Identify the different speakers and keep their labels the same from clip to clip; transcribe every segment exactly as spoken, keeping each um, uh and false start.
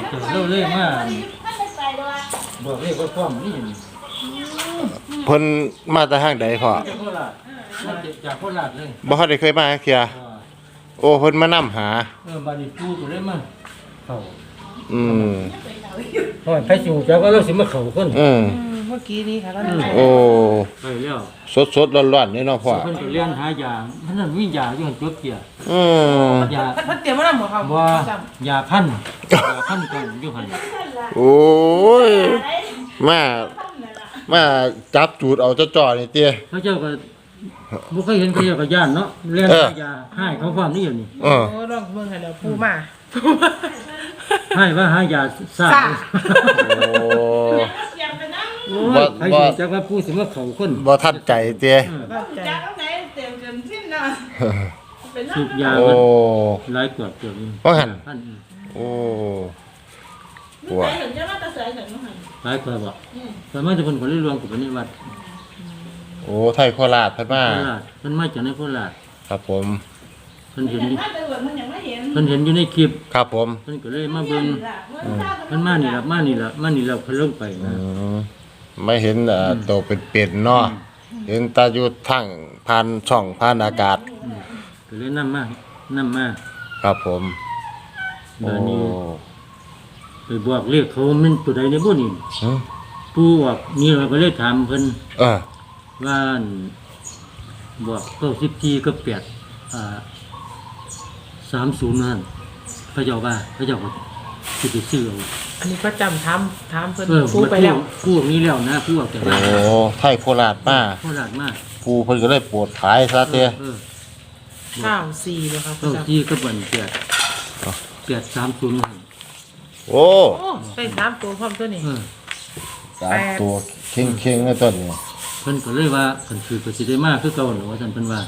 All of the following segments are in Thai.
Speaker 1: เราเลยมาบอกเลยว่าความนี่
Speaker 2: เพิ่นมาแต่ห้างใดพ่อ
Speaker 1: จากโคราชมาจากโคราชเลย
Speaker 2: บ่ทันได้เคยมาจักเที่ยโอ้เพิ่นมานํหา
Speaker 1: เออบัดนี้ปูก็เลยมาเข้า
Speaker 2: อืม
Speaker 1: เพราะไผสิฮู้จักว่าเราสิมาเข้าคน
Speaker 2: อืม
Speaker 3: เมื่อกี้นี้ค่ะก็
Speaker 2: โอ้
Speaker 1: ไปแล้ว
Speaker 2: สดๆร้อนๆนี่เนาะพ่อ
Speaker 1: เพิ่นก็เรียนหายามันนั่นมียาอยู่หั่นจบเกีย
Speaker 2: อืม
Speaker 1: ยา
Speaker 3: เพิ่นเตรียมมาแล้วหมอครับ
Speaker 1: ว่ายาพันยาพันกันอยู่หั่น
Speaker 2: โอ้ยมามาจับจูดเอาจ่อๆนี่เตี้ย
Speaker 1: เขาเจ้าก็บ่เคยเห็นเขาเจ้าก็ย่านเนาะเรียน
Speaker 2: เออ
Speaker 1: หายาให้เขาความนี่อยู่นี่
Speaker 2: เออ
Speaker 3: โอ้ลองเบิ่งให้แล้วปูมา
Speaker 1: ให้ว่าหายาซ่า
Speaker 2: โอ้
Speaker 1: โอ้
Speaker 2: บ่
Speaker 1: ยใคร
Speaker 2: บ่
Speaker 1: สิจักว่าผู้สิมาเข้าคน
Speaker 2: บ่ทันใจเตี้ย
Speaker 3: เข้าใจ
Speaker 4: จากตรงไหนเต็มจนสิ้นนะเป็น
Speaker 1: สูบยา
Speaker 2: โอ้
Speaker 1: หลายกว่าเกือบนี่
Speaker 2: ว่าหั่น
Speaker 1: พัน
Speaker 2: โอ้
Speaker 4: ไม่เคยเห็นจะมาตะเสยเห็นมั้ง
Speaker 1: หลายกว่าบ่แต่มาจากเพิ่นก็เลยรวมกับนิวัด
Speaker 2: โอ้ไทยโคราชเพิ่นมา
Speaker 1: โคราชเพิ่นมาจากในโคราช
Speaker 2: ครับผม
Speaker 1: เพิ่นเห็น
Speaker 4: ถ้าตำรวจมันยังไม่เห็น
Speaker 1: เพิ่นเห็นอยู่ในคลิป
Speaker 2: ครับผม
Speaker 1: เพิ่นก็เลยมาเบิ่งเพิ่นมานี่ล่ะมานี่ล่ะมานี่แล้วเพิ่นลงไป
Speaker 2: อื
Speaker 1: นะ
Speaker 2: มไม่เห็นเอ่อตัวเป็นๆเนาะเห็นตาอยู่ทางผ่านช่องผ่านอากาศ
Speaker 1: ก็เลยนำมานํมา
Speaker 2: ครับผมโอ้
Speaker 1: บาดนี้ไปบอกเรียกเขามันตัวใดในบ่นี่
Speaker 2: หึ
Speaker 1: ผู้บอกนี่เราก็เลยถามเพิ่น
Speaker 2: เออ
Speaker 1: ว่าอั่นบอกเก้าสิบสี่กับแปดอ่าสามศูนย์นั่นพระเจ้าว่าพระเจ้าก็สิไปซื้อเอา
Speaker 3: อันนี้ก็จำถามถามเพิ่น
Speaker 1: เออ
Speaker 3: ปูไปแล้ว
Speaker 1: ผู้นี้แล้วนะผู้ออกจาก
Speaker 2: โอ้
Speaker 1: บ้าน
Speaker 2: ไทยโคราชมา
Speaker 1: โคราชมาก
Speaker 2: ปูเพิ่นก็เลยโปวดขายซะเตี้ย
Speaker 1: เออ
Speaker 3: ข้าวสี่เลยครับ
Speaker 1: เก้าที่ก็บันแปดแปดสามศูนย์
Speaker 2: โอ้
Speaker 3: โอ้ได้สามตัวพร้อมตัวนี้
Speaker 1: เออ
Speaker 2: สามตัวเข่งๆในต้นนี่
Speaker 1: เพิ่นก็เลยว่าเพิ่นคือก็สิได้มากคือเก่าหรอว่าท่านเพิ่นว่า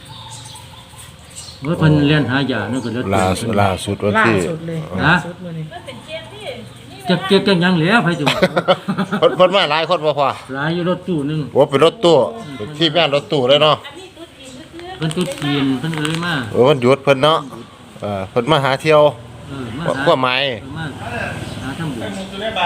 Speaker 1: ว่าเพิ่นเรียนหายานั่นก็แล้ว
Speaker 2: ล่าสุดล่าสุดวัน
Speaker 3: ล่า
Speaker 2: ที่
Speaker 3: สุดเลย
Speaker 1: ฮะ
Speaker 3: ล่าสุดมื้อนี้
Speaker 1: จะเก็บจังหยังแล้วไผสิว่า
Speaker 2: เพิ่นเพิ่นมาหลายคนบ่พอ
Speaker 1: หลายอยู่รถตู้หนึง
Speaker 2: โอ้เป็นรถตู้เป็นที่แม่นรถตู้เลยเนาะ
Speaker 1: เพิ่นตุ๊ดจีนเพิ่นก็เลยมา
Speaker 2: โอ้มันหยุดเพิ่นเนาะเออเพิ่นมาหาเที่ยว
Speaker 1: เออมา
Speaker 2: พวกไม้
Speaker 1: เออมาหาทำบุญ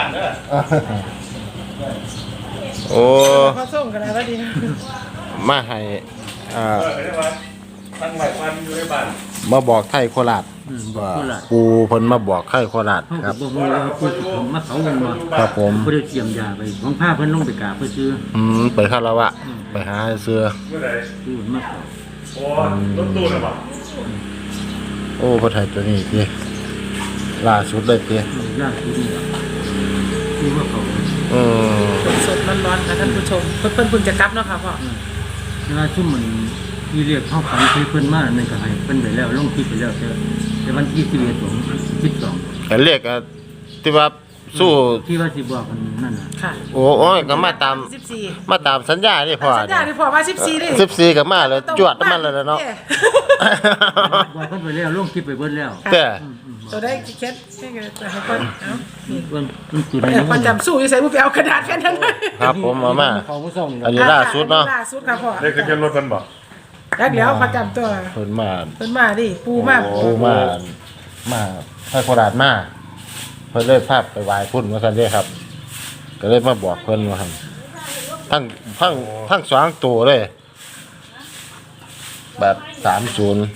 Speaker 2: โอ้
Speaker 3: พอส่งกันแล้วว่าดี
Speaker 2: มาให้อ่า
Speaker 5: ตั้งหลายวันอยู่ในบ้าน
Speaker 2: มาบอกไทยโคราช
Speaker 1: อืมบอก
Speaker 2: ว่า
Speaker 1: โคราช
Speaker 2: ปูเพิ่นมาบอกไทยโคราช
Speaker 1: เฮา
Speaker 2: ค
Speaker 1: ก็
Speaker 2: รับ
Speaker 1: บ่ฮู้ว่าผู้สิผมมาเขาเงินบ่
Speaker 2: ครับผม
Speaker 1: บ่ได้เตรียมยาไปของพาเพิ่นลงไปกราบเพิ่นซื้อ
Speaker 2: อืมไปคารวะไปหาเสื้อ
Speaker 5: เมื่อไหร่
Speaker 1: ซื้อมาเขา
Speaker 5: โอ้รถตู้น่ะบ่
Speaker 2: โอ้พระไทยตัวนี้ติล่าสุดเลยติ
Speaker 1: เออยากซื้อนี่ล่ะซื้อมาเขา
Speaker 2: อืม
Speaker 3: สดๆร้อนๆค่ะท่านผู้ชมเพิ่นเพิ่นเพิ่งจะกลับเนาะค่ะพ่อ
Speaker 1: เวลาซุ่มมันที่เรียกเข้าฝันเคยเพิ่นมานั่นก็ให้เพิ่นไปแล้วลงคลิปไปแล้วแต่แต่วันที่สิบเอ็ดของสิบสอง
Speaker 2: แต่เรียกอ่ะที่ว่าสู้
Speaker 1: ที่ว่าสิบอกกันนั่นน่ะ
Speaker 3: ค่ะ
Speaker 2: โอ้โอ้ยก็มาตาม
Speaker 3: สิบสี่
Speaker 2: มาตามสัญญานี่พ่อ
Speaker 3: สัญญาที่พ่อมาสิบสี่ดิ
Speaker 2: สิบสี่ก็มาเลยจวดมันเลยเนาะ
Speaker 1: บอกเพิ่นไปแล้วลงคลิปไปเบิดแล้ว
Speaker 2: แต่
Speaker 3: ตัวได้เคสแค่จะให้คนเอ้า
Speaker 1: เพิ่นเพิ่นจุด
Speaker 3: เดี๋ยวคนจำสู้อยู่ใส่ผู้ไปเอากระดาษแค่นั้นเลย
Speaker 2: ครับผมมามา
Speaker 1: เขาผู้ส่ง
Speaker 2: อันนี้ล่าสุดเนาะ
Speaker 3: ล่าสุดค่ะพ่อ
Speaker 5: ได้ขึ้นรถกันบ่
Speaker 3: แล้วเดี๋ยวประจำตัว
Speaker 2: เพิ่นมา
Speaker 3: เพิ่นมาดิปูมา
Speaker 2: ปูมา มาไทยโคราชมาเพิ่นเลยพาไปไหว้พุ่นว่าซั่นเด้ครับ ก็เลยมาบอกเพิ่นว่าหั่นทั้งทั้งทั้งสองตัวเลย แบบสามศูนย์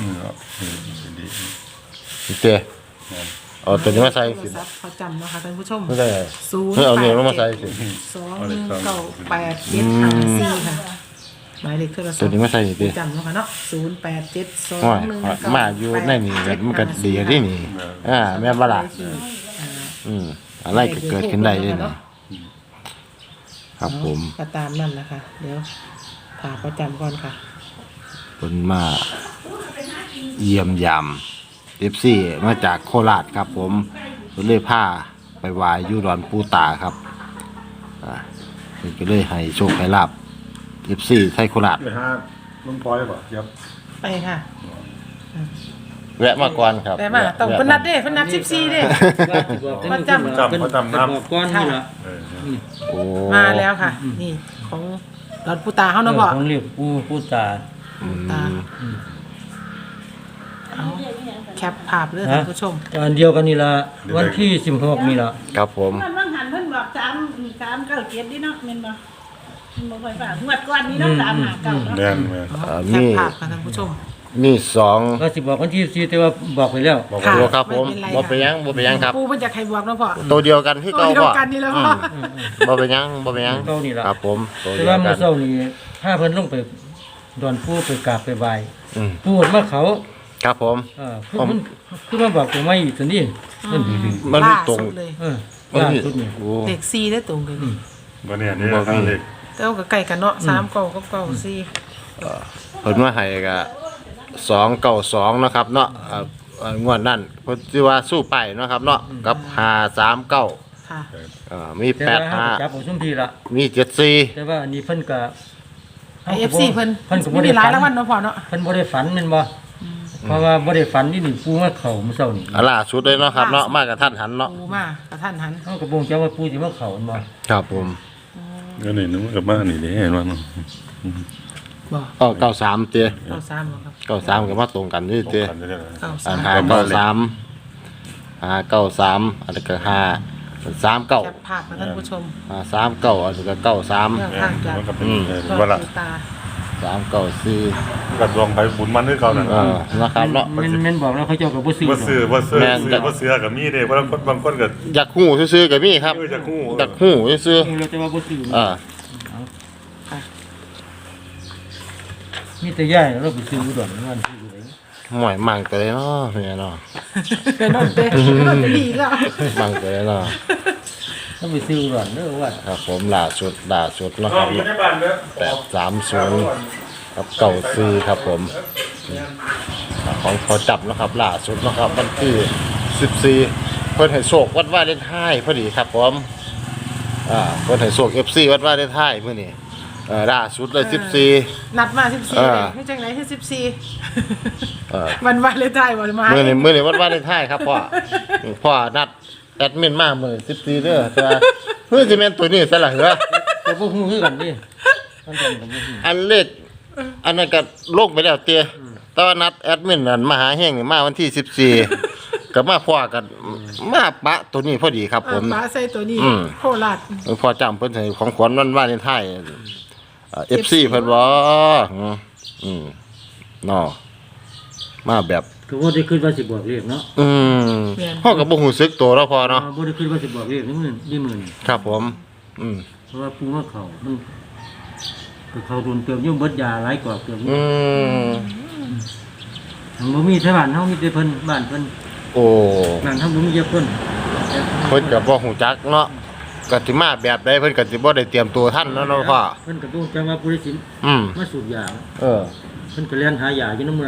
Speaker 2: เจ๊เอาตัวนี้มาใส่สิ
Speaker 3: ทรัพย์ประจำนะคะท่านผู้ชม
Speaker 2: ไม่ได้
Speaker 3: ศูนย์
Speaker 2: ไม่เอาเนี่ยมาใส่สิ
Speaker 3: สองหนึ่งเก้าแปดเจ็ดห้าสี่ค่ะหมายเลขโทรศัพ
Speaker 2: ตัว
Speaker 3: ท์
Speaker 2: นี้มาใส่สิ
Speaker 3: ประจำเนาะค่ะเนาะศูนย์แปดเจ็ดสอง
Speaker 2: โอ้ย
Speaker 3: หนึ่งเก้า
Speaker 2: มาอยู่ในนี่ก็มันก็ดีที่นี่ อ่าแม่นบ่ล่ะอืมอะไรก็เกิดขึ้นได้เลยนี่ครับผม
Speaker 3: ก็ตามนั่นนะคะ เดี๋ยวถาประจำก่อนค่ะ
Speaker 2: เพิ่นมาเยี่ยมยามเอฟซีมาจากโคราชครับผมเพิ่นเลยพาไปไหว้อยู่ดอนปูตาครับอ่าเพิ่นก็เลยให้โชคให้ลาบเอฟซีไทยโคราช
Speaker 5: ไปหาลุงพลอยบ่ครับ
Speaker 3: ไปค่ะ
Speaker 2: แวะมาก่อนครับ
Speaker 3: แต่มาต้องเพิ่นนัดเด้เพิ่นนัดสิบสี่เด้ ประจำ
Speaker 1: เพิ่นบอกก้อนนี่ล่ะ
Speaker 5: เออ
Speaker 2: โอ้
Speaker 3: มาแล้วค่ะ นี่ของดอนปูตาเฮาเนาะพ่อ
Speaker 1: ของเรียกผู้ผู้ตา
Speaker 2: อืม
Speaker 3: ตาเอาแคปภาพเลยท่านผู้ชม
Speaker 1: อันเดียวกันนี่ละวันที่สิบหกนี่ละ
Speaker 2: ครับผม
Speaker 4: มันว่างหันเพิ่นบอกสามสามเก้าเจ็ดดิเนาะแม่นบ่มันบ่ค่อยฝากงวดก่อนนี้เนาะสามหาเก้าเนาะ
Speaker 5: แม่นแม่น
Speaker 2: เอ่อ
Speaker 3: แค
Speaker 2: มี
Speaker 3: ปภาพค่ะท่านผู้ชม
Speaker 2: มีสอง
Speaker 1: ก็สิบอกวันที่สี่แต่ว่าบอกไปแล้ว
Speaker 5: บอก
Speaker 3: ค่ะ
Speaker 5: ว่า
Speaker 2: ตัวครับผม
Speaker 3: ไม่เป็นไร
Speaker 2: บ่เป็นหยังบ่เป็นหยังครับ
Speaker 3: ปูมันจะใครบวกเนาะพ่อ
Speaker 2: ตัวเดียวกันที่
Speaker 3: ตัว
Speaker 2: เก่า
Speaker 3: เดียว
Speaker 2: พ่อ
Speaker 3: กันนี่แล้วพ่อ
Speaker 2: บ่เป็นหยังบ่เป็นหยัง
Speaker 1: เก่านี่ล่ะ
Speaker 2: ครับผมตัว
Speaker 1: แต่
Speaker 2: เดีย
Speaker 1: ว่าว
Speaker 2: กั
Speaker 1: เมื่อน เช้านี้ถ้าเพิ่นลงไปดอนผู้ไปกราบไปไหว้
Speaker 2: อืม
Speaker 1: พูดมาเขา
Speaker 2: ครับผม
Speaker 1: เออคือมันคือมันบอกตัวไม่อีกตัวนี้นั่นดี
Speaker 2: มันมีตรง
Speaker 3: ล่าสุดเลย
Speaker 1: ๆเออ
Speaker 2: มัน
Speaker 1: ล่า
Speaker 2: มี
Speaker 1: สุดนี่
Speaker 2: โอ้
Speaker 3: เด็กซีได้ตรงกัน
Speaker 5: บ่เนี่ยนี่
Speaker 2: บ่มี
Speaker 5: เล็ก
Speaker 3: แต่ว่าก็ใกล้กันเนาะสามเก้าก็เก้าสี่
Speaker 2: เพิ่นว่าให้ก็สองเก้าสองเนาะครับเนาะเอ่อเอ่องวดนั้นเพิ่นสิว่าสู้ไปเนาะครับเนาะกับห้าสามเก้า
Speaker 3: ค่ะ
Speaker 2: เอ่อมี
Speaker 1: แต่
Speaker 2: แปด
Speaker 1: ว่า
Speaker 2: ห้า
Speaker 1: เฮาก็จับเอาซุมทีละ
Speaker 2: มีเจ็ดสี่
Speaker 1: แต่ว่าอันนี้เพิ่นก็
Speaker 3: ไอเอฟซีเพิ่น
Speaker 1: เพิ่นก็บ่
Speaker 3: ไม่
Speaker 1: ได้
Speaker 3: มีหลาย
Speaker 1: ฝัน
Speaker 3: รางวัลเนาะพ่อเนาะ
Speaker 1: เพิ่นบ่ได้ฝันแม่นบ่เพราะว่าบ่ได้ฝันนี่นี่ปูมาเข้ามื้อเช้านี่
Speaker 2: อ่ะล่าสุดเลยเนาะครับเนาะมากับท่านหันเนาะ
Speaker 3: ปูมากระท่านหัน
Speaker 1: เฮาก็บ่งจักว่าปูสิมาเข้าแม่นบ่
Speaker 2: ครับผม
Speaker 5: ก็นี่นึกว่ากับบ้านนี่เด้เห็นว่าเนาะ
Speaker 3: บอก
Speaker 2: ก็เก้าสามเตี้ย
Speaker 3: เก้าสามบ่ครับ
Speaker 2: เก้าสามก็มาตรงกันนี่
Speaker 5: ตรง
Speaker 2: เตี้ย
Speaker 5: กันได้เลย
Speaker 3: เก้า
Speaker 2: อ่า
Speaker 3: สาม
Speaker 2: หาเก้าสามหาเก้าสามอันนี้ก็ห้าสามเก้า
Speaker 3: แคปภาพมาท่านผู้ชม
Speaker 2: อ่าสามเก้าอันนี้ก็เก้าสาม
Speaker 3: เรื่อง
Speaker 5: แม่
Speaker 3: ทาง
Speaker 5: น
Speaker 3: จาก
Speaker 5: มันก็เป็น
Speaker 2: อืม
Speaker 5: เออ
Speaker 3: ดอน
Speaker 5: ว่าละ
Speaker 3: ปูตา
Speaker 2: สามเก้าสี่
Speaker 5: ก็ลองไปบุญมันคือเก่านั่น
Speaker 2: เออนะครับเนาะ
Speaker 1: แม่นแม่นบอกแล้วเขาเจ้าก็บ่ซื้อ
Speaker 5: บ่ซื้อบ่ซื้อ
Speaker 2: แม่น
Speaker 5: ซื้อบ่เสือก็มีเด้บางคนบางคนก็
Speaker 2: อยากหู้ซื้อๆก็มีครับ
Speaker 5: เอออยากฮู้
Speaker 2: อยากหู้ซื้อ
Speaker 1: ซื้อแล้วแต่ว่าบ่ซื้อ
Speaker 2: ๆอ่า
Speaker 1: มีแต่ย่ายเราไปซื้ออุดรมันซื้ออยู่ไหน
Speaker 2: หม่อยมั่งตัวเลยเนาะเนี่ยเนาะ
Speaker 3: เป็นนอนเต้นอนจะดีแล้ว
Speaker 2: มั่งตัวเลยเนาะ
Speaker 1: เราไปซื้ออุดรเด้อว่า
Speaker 2: ครับผมล่าสุดล่าสุดเนาะ
Speaker 5: อ๋
Speaker 2: ค
Speaker 5: อ
Speaker 2: รับ
Speaker 5: มีในบ้านเด้อ
Speaker 2: แปดสามศูนย์ครับเก่าซีครับผมของเขาจับนะครับล่าสุดนะครับวันที่สิบสี่เพิ่นให้โศกวัดว่าเล่นไห้พอดีครับผมอ่าเพิ่นให้โศกเอฟซีวัดว่าเล่นไห้เมื่อนี้เอ่อล่าสุดเลยสิบสี่
Speaker 3: นัดมาสิบสี่
Speaker 2: เออ
Speaker 3: เลยให้จังไหนให้สิบสี่
Speaker 2: เออ
Speaker 3: วันวันเลยได้วันมา
Speaker 2: เมื่อนี้เมื่อนี้วัดว่าเล่นไห้ครับพ่อพ่อนัดแอดมินมาเมื่อสิบสี่เด้อแต่ว่าเพื่อจะแม่นตัวนี้ซะละเหรอ
Speaker 1: แต่บ่ฮู้คือกันดิมันจังก็บ่ฮู้
Speaker 2: อันเลขอันนั้นก็ลงไปแล้วเตี้ยแต่ว่านัดแอดมินนั่นมาหาแห้งนี่มาวันที่สิบสี่ก็มาพอกันมาปะตัวนี้พอดีครับ
Speaker 3: เอ
Speaker 2: ผ
Speaker 3: อ
Speaker 2: ม
Speaker 3: ป้าใส่ตัวนี้
Speaker 2: อืม
Speaker 3: โคราช
Speaker 2: พอจำเพิ่นให้ของขวัญวันวาเลนไทน์เอฟซีเพิ่นบ่อืมอืมเนาะมาแบบ
Speaker 1: ก็บ่ได้คิดว่าสิบอกเลขเนาะ
Speaker 2: อืมพ่อก็บ่ฮู้สึกตัวแล้วพอเนาะ
Speaker 1: บ่ได้คิดว่าสิบอกเลขนี่มื้อนี่มื้อนี่
Speaker 2: ครับผม อืม
Speaker 1: เพราะว่าปูมาเข้ามันก็เข้าโดนเติมอยู่เบิดยาหลายกว่าเติมอยู่
Speaker 2: อืม
Speaker 1: ทางบ่มีแต่บ้านเฮามีแต่เพิ่นบ้านเพิ่น
Speaker 2: โอ้
Speaker 1: บ้านเฮาบ่มีแต่เพิ่น
Speaker 2: เพิ่นก็บ่ฮู้จักเนาะก็สิมาแบบใดเพิ่นก็สิบ่ได้เตรียมตัวทันเนาะเนาะพ่อ
Speaker 1: เพิ่นก็บ่จังว่าผู้ใดสิ
Speaker 2: อืม
Speaker 1: มาสูบยา
Speaker 2: เออ
Speaker 1: เพิ่นก็เรียนหายาอยู่นำเมือง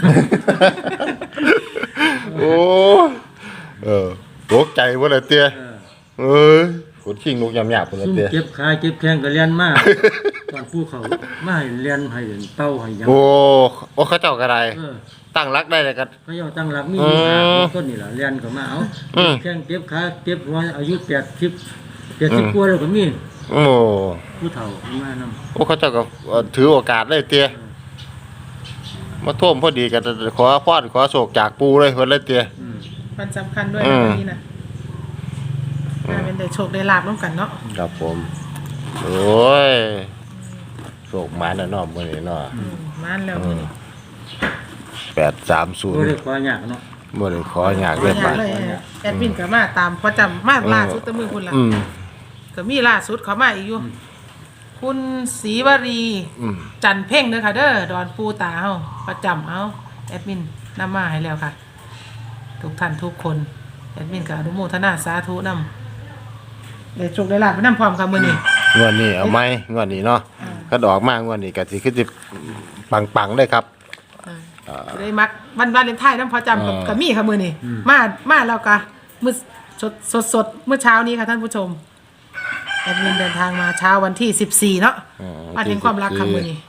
Speaker 2: โอ้เออตกใจบ่ล่ะเตี้ย
Speaker 1: เออ
Speaker 2: เอ้ยขนขิงนกยำหยาบพุ่นล่ะ
Speaker 1: ซุ่ม
Speaker 2: เตี้ย
Speaker 1: เจ็บขาเจ็บแข้งก็เรียนมา ตอนผู้เขามาให้เรียนให้เต้าให้หยัง
Speaker 2: โอ้โอ้เขาเจ้าก็ได้
Speaker 1: เออ
Speaker 2: ตั้งรักได้เลยก็
Speaker 1: เขาเจ้าตั้งหลักมี
Speaker 2: อืม
Speaker 1: หาคนนี่ล่ะเรียนเข้ามาเอา
Speaker 2: อืม
Speaker 1: แข้งเจ็บขาเจ็บหัวอายุแปดสิบ แปดสิบกว่าแล้วก็มี
Speaker 2: โอ้
Speaker 1: ผู้เฒ่ามานํ
Speaker 2: โอ้เขาเจ้าก็เอ่อถือโอกาสเลยเตี้ยมาท่วมพอดีกันขอพรขอโศกจากปูเลยเพิ่นเลยเตี้ย
Speaker 1: อืม
Speaker 3: มันสำคัญด้วย
Speaker 2: อื
Speaker 3: นะ
Speaker 2: ม
Speaker 3: วันนี้นะอ่าเป็นได้โชคได้ลาบร่วมกันเนาะ
Speaker 2: ครับผม โอ้ยโศกหมาแน่นอนมื้อนี้เนาะ
Speaker 3: อืมมานแล้วมื้อนี้
Speaker 2: แปดสามศูน
Speaker 1: บ่
Speaker 2: ย์
Speaker 1: ได้ขอยากเนาะ
Speaker 2: บ่ได้ขออยาก
Speaker 3: ขอ
Speaker 2: เล่น
Speaker 3: อ
Speaker 2: ไป
Speaker 3: ย่างเลยแอดมินก็มาตามประจำมาล่าสุดแตะมือคุณล่ะ
Speaker 2: อืม
Speaker 3: ก็มีล่าสุดเขามาอีกอยู่ คุณศรีวรี
Speaker 2: อืม
Speaker 3: จันเพ่งเด้อค่ะเด้อดอนปูตาเฮาประจำเอาแอดมินนำมาให้แล้วค่ะ ทุกท่านทุกคนแอดมินก็อนุโมทนาสาธุนำได้โชคได้ลาบไปนำพร้อมค่ะมื้อนี้
Speaker 2: งวดนี้เอาไหมงวดนี้เนาะ
Speaker 3: อ่า
Speaker 2: ก็ดอกมากงวดนี้ก็สิคือสิปังๆเลยครับ
Speaker 3: อ่าได้มักวันวาเลนไทน์นำพอจำกับ
Speaker 2: อ่า
Speaker 3: กับมี่ค่ะมื้อนี้มามาแล้วก็มื้อสดสดสดเมื่อเช้านี้ค่ะท่านผู้ชมแอดมินเดินทางมาเช้าวันที่สิบสี่เนาะ
Speaker 2: อืม
Speaker 3: มาถึงความรักค่ะมื้อนี้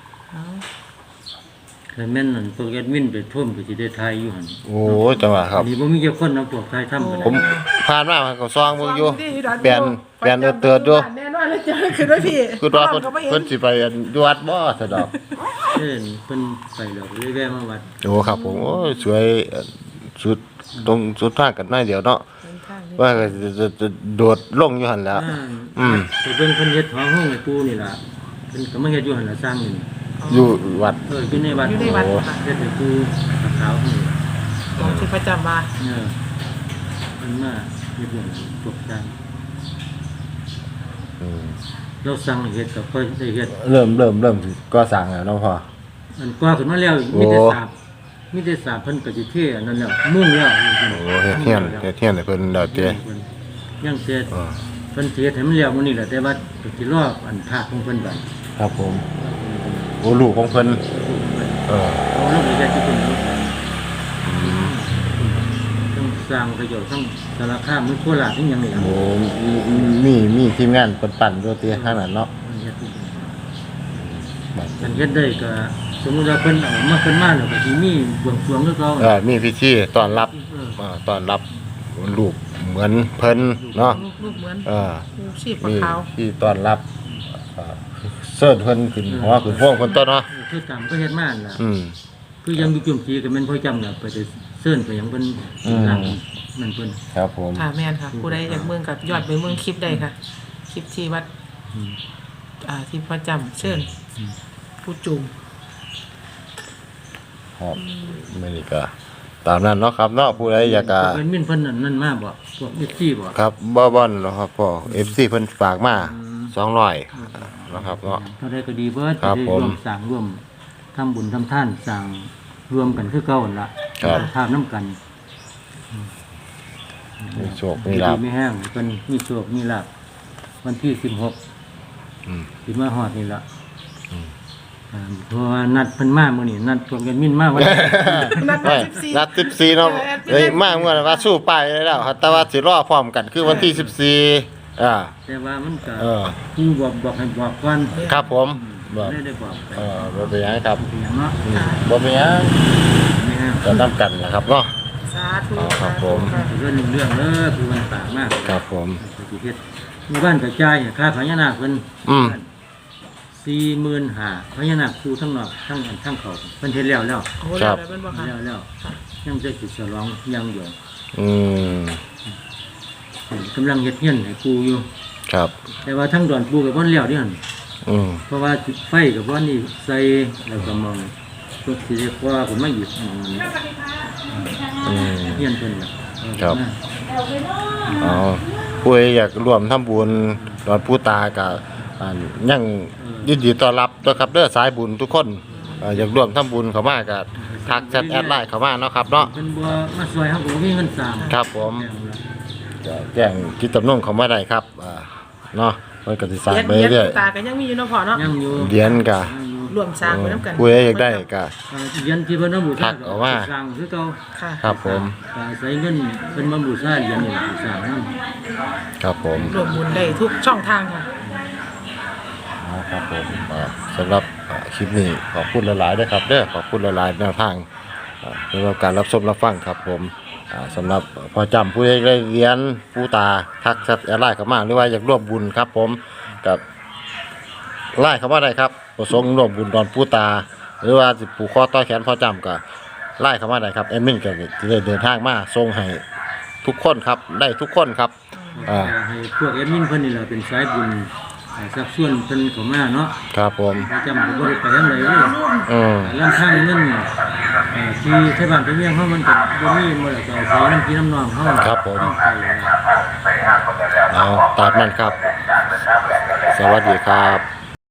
Speaker 1: แต่แม่นนั่นพวกแอดมินไปท่วมก็สิได้ทายอยู่หั่น
Speaker 2: โอ้ยจังหวะครับ
Speaker 1: อันนี้บ่มีเจ้าคนนำพวกทายทำกัน
Speaker 2: ผมผ่านมามันก็ซองมึงอยู่
Speaker 3: ที่ดน
Speaker 2: เปลี่ยนเปลี่ยนเออเตือนอยู่
Speaker 3: แน่นอน
Speaker 4: ว่าแล้วเจอขึ้นด้วยพี่
Speaker 2: คือว่าเพิ่น
Speaker 4: ก็ไม่เห็
Speaker 2: เพิ่
Speaker 4: น
Speaker 2: นสิไปอันอยู่วัดบ่ซะดอก
Speaker 1: เช่นเพิ่นไปแล้วก็เลยแวะมาวัด
Speaker 2: โอ้ครับผมโอ้ยสวยเอ่อสุดตรงสุดทางกันหน่อยเดียวเนาะ
Speaker 3: เป็นทางนี้
Speaker 2: ว่าก็จะจะจะโดดลงอยู่หั่นแหล้ว
Speaker 1: อ่า
Speaker 2: อืม
Speaker 1: ไปเบิ่งเพิ่นเฮ็ดหอห้องให้ปู่นี่ล่ะเพิ่นก็มาเฮ็ดอยู่หั่นล่ะสร้างนี่
Speaker 2: อยู่วัด
Speaker 1: เอออยู่ในวัด
Speaker 3: อยู่ในวัดค่ะ
Speaker 1: เฮ็ดให้ปู่ขาวๆนี่
Speaker 3: ของที่ประจำมา
Speaker 1: เออมันมาเฮ็ดอย่างพวกสร้าง
Speaker 2: อืม
Speaker 1: เราสั่งให้เฮ็ดก็ค่อยได้เฮ็ด
Speaker 2: เริ่มเริ่มเริ่มสิก่อสร้างแล้วเนาะพ่อ
Speaker 1: อันกว่าขึ้นมาแล้ว
Speaker 2: โอ้
Speaker 1: มีแต่สาบมีแต่สาบเพิ่นก็สิเทอันนั้นแล้วมุ่งแล้ว
Speaker 2: โอ้เฮ็ดเฮียนเฮ็ดเฮียนให้เพิ่นแล้วเด้
Speaker 1: ยังเสร็จ
Speaker 2: อ่า
Speaker 1: เพิ่นสิเฮ็ดให้มันแล้วมื้อนี้แหละแต่ว่าก็สิรออันภาคของเพิ่นบัด
Speaker 2: ครับผมโอ้ลูกของเพิ่นเออ
Speaker 1: เอาลงไปเฮ็ดที่เพิ่นเอาต้องสร้างประโยชน์ทั้งสารคามทั้งโคราชทั้งหยังนี่ล่ะ
Speaker 2: โอ้มีมีมีทีมงานเพิ่นปั่นอยู่ติทางนั้นเนาะ
Speaker 1: เฮ็ดที่เพิ่นมันเฮ็ดได้ก็สมมุติว่าเพิ่นเอามาเพิ่นมาแล้วก็สิมีบวงสรวงคือเก่า
Speaker 2: เออมีพิธีต้อนรับ
Speaker 1: เออ
Speaker 2: อ่าต้อนรับลูกเหมือนเพิ่นเนาะ
Speaker 3: ลูกลูกเหมือน
Speaker 2: เออ
Speaker 3: ลูกชีพปลา
Speaker 2: มี
Speaker 3: ขาว
Speaker 2: ที่ต้อนรับเอ่อเสิร์ชเพิ่นขึ้นหัวขึ้นพวงเพิ่นต้นเนาะ
Speaker 1: เออคือตามก็เฮ็ดมานั่นล่ะ
Speaker 2: อืม
Speaker 1: คือยังมีจุ่มจีก็แม่นพ่อจำน่ะไปแต่เซิ้นไปหยังเพิ่น
Speaker 2: อืม
Speaker 1: หลังนั่นเพิ่น
Speaker 2: ครับผม
Speaker 3: ค่ะแม่นค่ะ ผู้ใดอยากเมืองกับยอดไปเมืองคลิปได้ค่ะ คลิปที่วัด
Speaker 1: อืม
Speaker 3: อ่าที่ประจำเชิญผู้จุ่ม
Speaker 2: ครับไม่นี่ก็ตามนั้นเนาะครับเนาะผู้ใดอยากจะ
Speaker 1: เป็นมินเพิ่นนั่นนั่นมาบ่พวกเอฟซีบ่
Speaker 2: ครับบ่บ่อนเนาะครับพ่อ เอฟ ซี เพิ่นฝากมาสองร้อยนะครับเนาะ
Speaker 1: เท่าใดก็ดีเบิด
Speaker 2: ครับ
Speaker 1: จะได้
Speaker 2: ผม
Speaker 1: ร่วมสร้างร่วมทำบุญทำทานสร้างรวมกันคือเก่านั่นล่ะ
Speaker 2: ครับ
Speaker 1: ภาพน้ำกัน
Speaker 2: มีโชคมีลาภ
Speaker 1: ดีไม่แห้งเพิ่นมีโชคมีลาภวันที่สิบหก
Speaker 2: อืม
Speaker 1: สิมาฮอดนี่ล่ะ
Speaker 2: อืม
Speaker 1: อ่าเพราะว่านัดเพิ่นมามื้อนี้นัดพวกกันมินมาวัน
Speaker 3: นัด
Speaker 2: ไม่
Speaker 3: สิบสี่
Speaker 2: นัดสิบสี่เนาะเอ้ยมาเมื่อว่าสู้ไปได้แล้วครับแต่ว่าสิรอพร้อมกันคือวันที่สิบสี่อ่า
Speaker 1: แต่ว่ามันก็
Speaker 2: เออ
Speaker 1: ผู้บอกบอกให้บอกก่อน
Speaker 2: ครับผมบ่
Speaker 1: ได้ได้บอกไป
Speaker 2: เออบ่เป็นหยังครับ
Speaker 1: เป็นหยังเนาะ
Speaker 2: อืมบ่เป็นหยัง
Speaker 1: ไม่แห้ง
Speaker 2: ก็นํกันนะครับเนาะ
Speaker 3: สาธุ
Speaker 2: อ๋อครับผม
Speaker 3: สาธุ
Speaker 1: เรื่องหนึ่งเรื่องเด้อคือมันต่างมาก
Speaker 2: ครับผม
Speaker 1: ปฏิเทศมีบ้านกระจายเนี่ยค่าพญานาคเพิ่น
Speaker 2: อืม
Speaker 1: สี่หมื่นห้าพญานาคคูทั้งนอกทั้งอันทั้งเขาเพิ่นเฮ็ดแล้วแล้ว
Speaker 3: โอ้โหแล้วเป็นบ่คะ
Speaker 1: แล้วแล้วยังจะสิฉลองยังอยู่
Speaker 2: อืม
Speaker 1: กำลังเฮ็ดเฮียนให้ปูอยู่
Speaker 2: ครับ
Speaker 1: แต่ว่าทั้งดอนปูกับบ่แล้วเดิหั่น
Speaker 2: อืม
Speaker 1: เพราะว่าจุดไฟกับบ่นี่ใส่แล้วก็มองพวกสิเรียกว่าผมมาหยิบมองอัน
Speaker 2: อืม
Speaker 1: เฮียนเพิ่นน่ะ
Speaker 2: ครับ เอาผู้ใดอยากร่วมทำบุญดอนผู้ตากับอ่ายังยินดีต้อนรับด้วยครับเด้อสายบุญทุกคนอ่าอยากร่วมทำบุญเข้ามาก็ทักแชทแอดไลน์เข้ามาเนาะครับเนาะ
Speaker 1: เพิ่นบ่มาช่วยเฮาก็บ่มีเงินสร้าง
Speaker 2: ครับผมก็แจ้งกิจตำนงเข้ามาได้ครับอ่าเนาะมันก็สิสร้างไป
Speaker 3: เรียน
Speaker 2: เรื่อย
Speaker 3: ตาก็ยังมีอยู่เนาะพ่อเนาะ
Speaker 1: ยังอยู่
Speaker 2: เหรียญก็
Speaker 3: รวมสร้างไปน้ำกัน
Speaker 2: ผู้ใดอยากได้ก็
Speaker 1: อ่าเหรียญที่เพิ่นเอาบู
Speaker 2: ทั
Speaker 1: ชาก
Speaker 2: ออกมา
Speaker 1: สร้างคือเก่า
Speaker 3: ค่ะ
Speaker 2: ครับผม
Speaker 1: ก็ใช้เงินเพิ่นมาบูชาเหรียญนี่ล่ะบูชานํ
Speaker 2: ครับผม
Speaker 3: รวมบุญได้ทุกช่องทางค่ะ
Speaker 2: นะครับผมอ่าสำหรับอ่าคลิปนี้ขอบคุณหลายๆด้วยครับเด้อขอบคุณหลายๆแนวทางอ่าสำหรับการรับชมรับฟังครับผมอ่าสำหรับพอจำผู้ใดได้เรียนผู้ตาทักแชทแอดไลน์เข้ามาหรือว่าอยากร่วมบุญครับผมกับไล่เข้ามาได้ครับประสงค์ร่วมบุญดอนผู้ตา หรือว่าสิผูกคอต่อแขนพอจำก็ไล่เข้ามาได้ครับแอดมินก็จะได้เดินทางมาส่งให้ทุกคนครับได้ทุกคนครับอ่า
Speaker 1: ให้พวกแอดมินเพิ่นนี่ล่ะเป็นสายบุญอ่าสักส่วนเพิ่นเข้ามาเนาะ
Speaker 2: ครับผม
Speaker 1: ประจำก็บ่ได้ไปทางใดเลย
Speaker 2: อืม
Speaker 1: ลำทางเงินเอ่อที่ไทบ้านไทเมียงเฮามันก็บ่มีหมดแล้วก็อาศัยน้ำพี่น้ำน้องเฮา
Speaker 2: ครับผม
Speaker 1: ต้องไปนะ
Speaker 2: เอาตามนั้นครับ สวัสดีครับ